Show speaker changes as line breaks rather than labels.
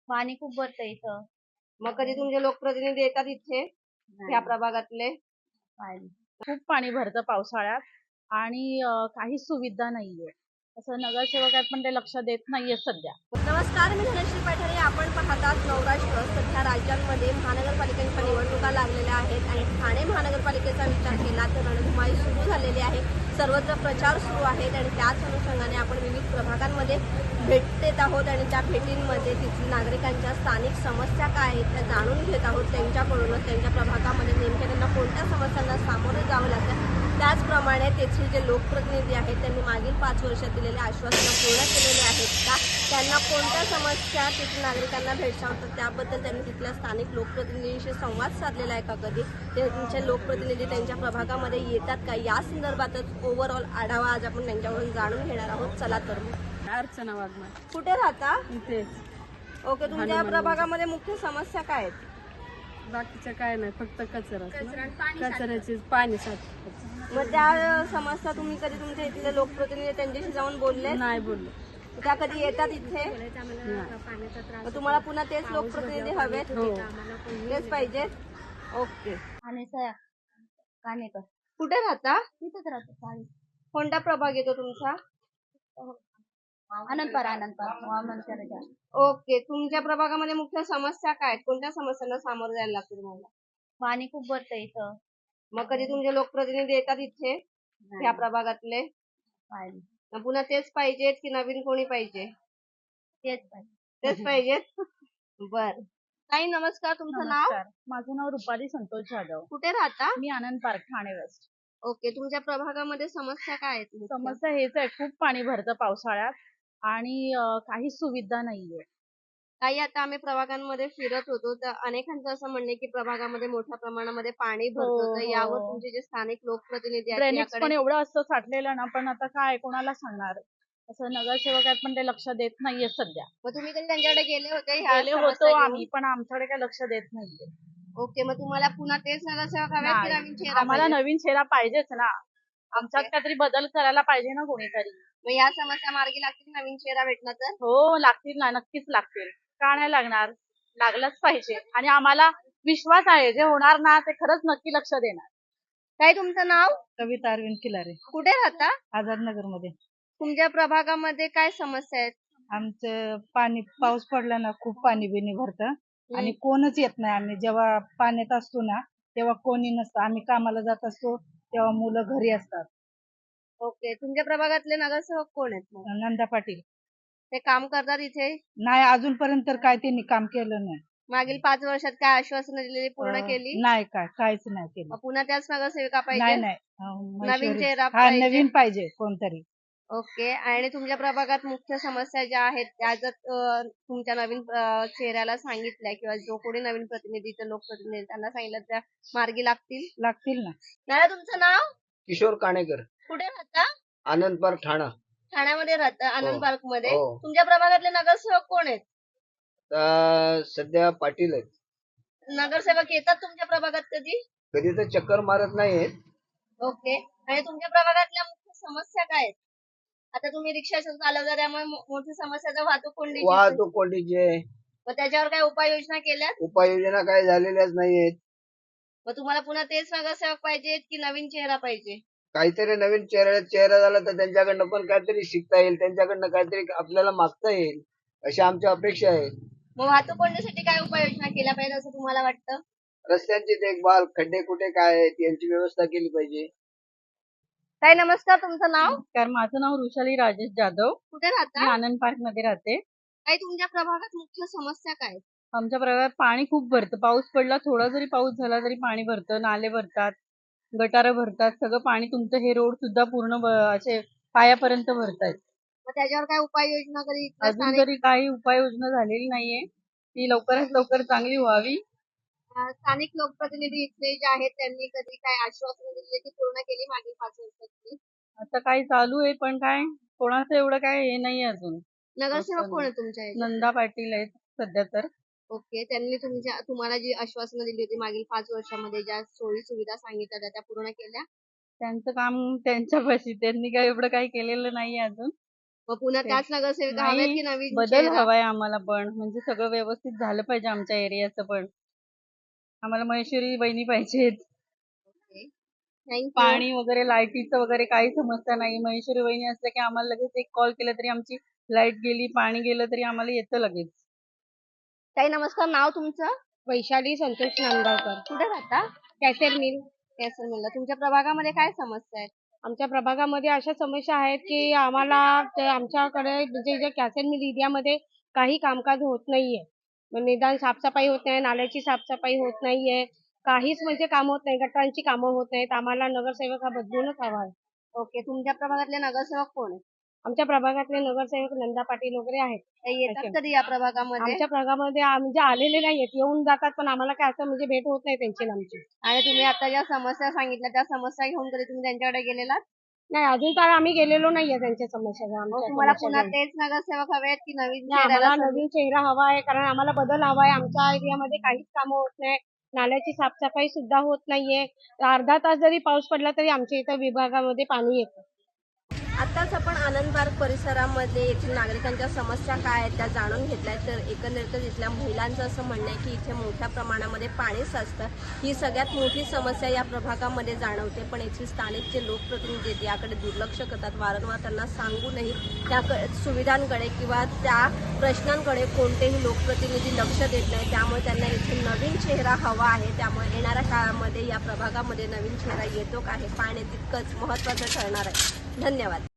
पाणी खूप भरतं इथं.
मग कधी तुमचे लोकप्रतिनिधी येतात इथे ह्या प्रभागातले?
पाणी खूप पाणी भरतं पावसाळ्यात आणि काहीच सुविधा नाहीये. असं नगरसेवक आहेत पण ते लक्ष देत नाहीये सध्या.
नमस्कार, मी धनश्री पठारे. आपण पाहतात नवराष्ट्र. सध्या राज्यांमध्ये महानगरपालिकांच्या निवडणुका लागलेल्या आहेत आणि ठाणे महानगरपालिकेचा विचार केला तर रणधुमाळी सुरू झालेली आहे. सर्वत्र प्रचार सुरू आहेत आणि त्याच अनुषंगाने आपण विविध प्रभागांमध्ये भेट देत आहोत आणि त्या भेटींमध्ये तिथील नागरिकांच्या स्थानिक समस्या काय आहेत त्या जाणून घेत आहोत. त्यांच्याकडूनच त्यांच्या प्रभागामध्ये नेमक्या त्यांना कोणत्या समस्यांना सामोरे जावं लागतं, त्याचप्रमाणे तेथील जे लोकप्रतिनिधी आहेत त्यांनी मागील 5 वर्षात दिलेले आश्वासनं पूर्ण केलेले आहेत का, त्यांना कोणत्या समस्या तेथील नागरिकांना भेडसावतात त्याबद्दल त्यांनी तिथल्या स्थानिक लोकप्रतिनिधींशी संवाद साधलेला आहे का, कधी त्यांचे लोकप्रतिनिधी त्यांच्या प्रभागामध्ये येतात का, या संदर्भातच ओव्हरऑल आढावा आज आपण त्यांच्याकडून जाणून घेणार आहोत. चला तर मग.
अर्चना वाघमारे
कुठे राहता?
इथेच.
ओके, तुमच्या प्रभागामध्ये मुख्य समस्या काय आहेत?
बाकीचं काय नाही, फक्त कचऱ्याची पाणी साठतं.
मग त्या समस्या तुम्ही कधी तुमच्या इथले लोकप्रतिनिधी त्यांच्याशी जाऊन बोलले?
नाही बोललो.
त्या कधी येतात इथे?
नाही.
मग तुम्हाला पुन्हा तेच लोकप्रतिनिधी हवेत?
हो.
तेच पाहिजेत. ओके.
आणि कानेकर
कुठे राहता?
तिथंच राहतो. चाळीस
कोणता प्रभाग येतो तुमचा?
आनंदपार
ओके, तुमच्या प्रभागामध्ये मुख्य समस्या काय आहेत? कोणत्या समस्यांना सामोरं जायला लागतं तुम्हाला?
पाणी खूप भरतं इथं.
मग कधी तुमचे लोकप्रतिनिधी येतात इथे ह्या प्रभागातले?
पाणी
मग पुन्हा तेच पाहिजेत की नवीन कोणी पाहिजे?
तेच पाहिजे.
तेच पाहिजेत. बर. ताई नमस्कार, तुमचं नाव?
नमस्कार, माझं नाव रुपाली संतोष जाधव.
कुठे राहता?
मी Anand park Thane west.
Okay, तुमच्या प्रभागामध्ये समस्या काय आहेत मुख्य?
समस्या हेच आहे, खूप पाणी भरतं पावसाळ्यात आणि काहीच सुविधा नाहीये.
काही आता आम्ही प्रभागांमध्ये फिरत होतो तर अनेकांचं असं म्हणणं आहे की प्रभागामध्ये मोठ्या प्रमाणामध्ये पाणी भरतं. तर यावर तुमचे जे स्थानिक लोकप्रतिनिधी आहेत
ड्रेनेज पण
याकडे?
एवढं असतं साठलेलं ना, पण आता काय कोणाला सांगणार. असं नगरसेवक आहेत पण ते लक्ष देत नाहीये सध्या.
मग तुम्ही कधी त्यांच्याकडे गेले होते ह्या
गेले
समस्या
होतो
घेऊन?
आम्ही, पण आमच्याकडे काय लक्ष देत नाहीये.
ओके, मग तुम्हाला पुन्हा तेच नगरसेवक हवेत की
नाही,
नवीन चेहरा
आम्हाला
पाहिजे?
नवीन चेहरा पाहिजेच ना. आमच्यात
ओके.
काहीतरी बदल करायला पाहिजे ना कोणीतरी.
मग या समस्या मार्गी लागतील नवीन चेहरा भेटला तर?
हो, लागतील ना, नक्कीच लागतील. का नाही लागणार? लागलंच पाहिजे आणि आम्हाला विश्वास आहे जे होणार ना ते खरंच नक्की लक्ष देणार.
काय तुमचं नाव?
कविता अरविंद किलारे,
कुठे राहता?
आझादनगर मध्ये.
तुमच्या प्रभागामध्ये काय समस्या आहेत?
आमचं पाणी पाऊस पडला ना खूप पाणी बिनी भरतं आणि कोणच येत नाही. आम्ही जेव्हा पाण्यात असतो ना तेव्हा कोणी नसतं. आम्ही कामाला जात असतो तेव्हा मुलं घरी असतात.
ओके, तुमच्या प्रभागातले नगरसेवक कोण आहेत मग?
नंदा पाटील
ते काम करतात इथे?
नाही, अजूनपर्यंत तर काय त्यांनी काम केलं नाही.
मागील 5 वर्षात काय आश्वासनं दिलेली पूर्ण केली?
नाही, काहीच नाही केलं.
मग पुन्हा त्याच नगरसेविका
नाही
पाहिजे?
नाही
नवीन चेहरा
हा,
पाहिजे?
नवीन पाहिजे कोणतरी.
ओके, आणि तुमच्या प्रभागात मुख्य समस्या ज्या आहेत त्या जर तुमच्या नवीन चेहऱ्याला सांगितल्या किंवा जो कोणी नवीन प्रतिनिधी लोकप्रतिनिधी त्यांना सांगितलं त्या मार्गी लागतील?
लागतील ना.
दादा तुमचं नाव?
किशोर काणेकर,
कुठे राहता?
आनंद पार्क, ठाणा.
ठाण्यामध्ये राहता, आनंद पार्क मध्ये.
हो.
तुमच्या प्रभागातले नगरसेवक कोण आहेत?
सध्या पाटील आहेत.
नगरसेवक येतात तुमच्या प्रभागात कधी?
कधी तर चक्कर मारत नाहीत.
ओके, आणि तुमच्या प्रभागातल्या मुख्य समस्या काय आहेत? आता तुम्ही रिक्षा चालवता त्यामुळे मोठी समस्या तर वाहतूक कोंडीची.
वाहतूक कोंडीची आहे.
मग त्याच्यावर काय उपाययोजना केल्या?
उपाययोजना काही झालेल्याच नाहीयेत.
मग तुम्हाला पुन्हा तेच नगरसेवक पाहिजेत की नवीन चेहरा पाहिजे?
काहीतरी नवीन चेहरा झाला तर त्यांच्याकडनं पण काहीतरी शिकता येईल, त्यांच्याकडनं काहीतरी आपल्याला मागता येईल अशी आमची अपेक्षा आहे.
मग वाहतूक कोंडीसाठी काय उपाययोजना केल्या पाहिजे असं तुम्हाला वाटतं?
रस्त्यांची देखभाल, खड्डे कुठे काय आहेत यांची व्यवस्था केली पाहिजे.
ताई नमस्कार, तुमचं नाव?
कारण माझं नाव वृषाली राजेश जाधव.
कुठे
मी
राहता?
आनंद पार्क मध्ये राहते.
ताई तुमच्या प्रभागात मुख्य समस्या काय आहेत?
आमच्या प्रभागात पाणी खूप भरतं. पाऊस पडला, थोडा जरी पाऊस झाला तरी पाणी भरतं, नाले भरतात, गटारं भरतात, सगळं पाणी. तुमचं हे रोड सुद्धा पूर्ण असे पायापर्यंत भरतायत.
मग त्याच्यावर काय उपाययोजना कधी
अजून तरी काही उपाययोजना झालेली नाहीये. ती लवकरात लवकर चांगली व्हावी.
स्थानिक लोकप्रतिनिधी इथले जे आहेत त्यांनी कधी काय आश्वासनं दिली की पूर्ण केली मागील 5 वर्षात?
आता काही चालू आहे पण काय कोणाचं एवढं काय हे नाही अजून.
नगरसेवक कोण आहे तुमच्या ह्याच्यात?
नंदा पाटील आहेत सध्या तर.
ओके, त्यांनी तुम्हाला जी आश्वासनं दिली होती मागील 5 वर्षामध्ये ज्या सोयी सुविधा सांगितल्या त्या पूर्ण केल्या?
त्यांचं काम त्यांच्यापाशी, त्यांनी काय एवढं काही केलेलं नाहीये अजून.
मग पुन्हा त्याच नगरसेविका हव्यात की नवीन
बदल
चेहरा?
हवाय आम्हाला पण, म्हणजे सगळं व्यवस्थित झालं पाहिजे आमच्या एरियाचं पण. आम्हाला महेश्वरी वहिनी पाहिजेत.
थँक्यू.
पाणी वगैरे लाईटीचं वगैरे काही समस्या नाही. महेश्वरी वहिनी असल्या की आम्हाला लगेच एक कॉल केला तरी आमची लाईट गेली, पाणी गेलं तरी आम्हाला येतं लगेच.
ताई नमस्कार, नाव तुमचं?
वैशाली संतोष नांदगावकर,
कुठे राहता?
कॅसेर मिल.
केसर मिलला. तुमच्या प्रभागामध्ये काय समस्या आहेत?
आमच्या प्रभागामध्ये अशा समस्या आहेत की आम्हाला आमच्याकडे म्हणजे जे कॅसेर मिल एरियामध्ये काही कामकाज होत नाहीये. निदान साफसफाई होत नाही, नाल्याची साफसफाई होत नाहीये, काहीच म्हणजे काम होत नाही, गटारांची कामं होत नाहीत. आम्हाला नगरसेवक हा बदलूनच हवा आहे.
ओके. तुमच्या प्रभागातले नगरसेवक कोण आहेत?
आमच्या प्रभागातले नगरसेवक नंदा पाटील वगैरे आहेत.
ते येतात कधी या प्रभागामध्ये?
आमच्या प्रभागामध्ये म्हणजे आलेले नाहीयेत, येऊन जातात, पण आम्हाला काय असं म्हणजे भेट होत नाही त्यांची आणि आमची.
आणि तुम्ही आता ज्या समस्या सांगितल्या त्या समस्या घेऊन कधी तुम्ही त्यांच्याकडे गेलेलात?
नाही, अजून तर आम्ही गेलेलो नाहीये त्यांच्या समस्या
मग तुम्हाला पुन्हा तेच नगरसेवक हवे आहेत की नवीन
आम्हाला
चेहऱ्याला संधी?
नवीन चेहरा हवा आहे, कारण आम्हाला बदल हवा आहे. आमच्या एरियामध्ये काहीच कामं होत नाही, नाल्याची साफसफाई सुद्धा होत नाहीये. अर्धा तास जरी पाऊस पडला तरी आमच्या इथं विभागामध्ये पाणी येतं.
आताच आपण आनंद पार्क परिसरामध्ये येथील नागरिकांच्या समस्या काय आहेत त्या जाणून घेतल्या. तर एकंदरीतच इथल्या महिलांचं असं म्हणणं आहे की इथे मोठ्या प्रमाणामध्ये पाणी साचतं. ही सगळ्यात मोठी समस्या या प्रभागामध्ये जाणवते, पण येथील स्थानिक जे लोकप्रतिनिधी आहेत याकडे दुर्लक्ष करतात. वारंवार त्यांना सांगूनही त्या सुविधांकडे किंवा त्या प्रश्नांकडे कोणतेही लोकप्रतिनिधी लक्ष देत नाही. त्यामुळे त्यांना इथे नवीन चेहरा हवा आहे. त्यामुळे येणाऱ्या काळामध्ये या प्रभागामध्ये नवीन चेहरा येतो का हे पाहणे तितकंच महत्त्वाचं ठरणार आहे. धन्यवाद.